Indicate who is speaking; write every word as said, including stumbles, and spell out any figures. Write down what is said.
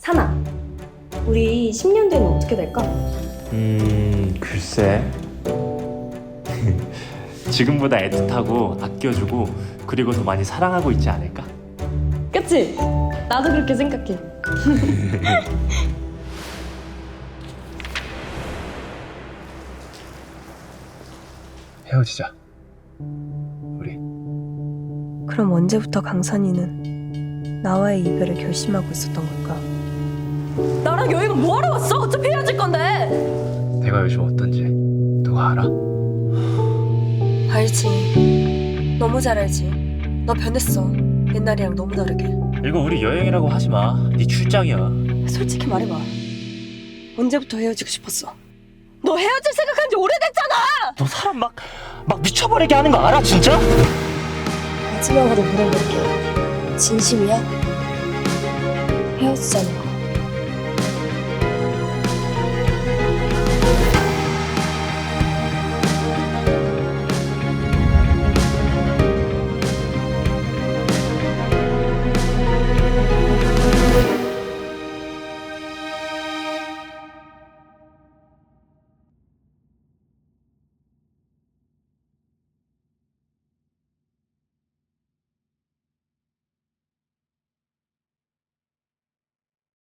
Speaker 1: 찬아, 우리 십 년 뒤에는 어떻게 될까?
Speaker 2: 음... 글쎄... 지금보다 애틋하고 아껴주고 그리고 더 많이 사랑하고 있지 않을까?
Speaker 1: 그치? 나도 그렇게 생각해.
Speaker 2: 헤어지자 우리.
Speaker 3: 그럼 언제부터 강산이는 나와의 이별을 결심하고 있었던 걸까?
Speaker 1: 나랑 여행은 뭐하러 왔어? 어차피 헤어질 건데.
Speaker 2: 내가 요즘 어떤지 누가 알아?
Speaker 3: 알지. 너무 잘 알지. 너 변했어. 옛날이랑 너무 다르게.
Speaker 2: 이거 우리 여행이라고 하지마. 네 출장이야.
Speaker 3: 솔직히 말해봐. 언제부터 헤어지고 싶었어? 너 헤어질 생각한 지 오래됐잖아!
Speaker 2: 너 사람 막, 막 미쳐버리게 하는 거 알아 진짜?
Speaker 3: 마지막으로 물어볼게. 진심이야? 헤어지자는 거.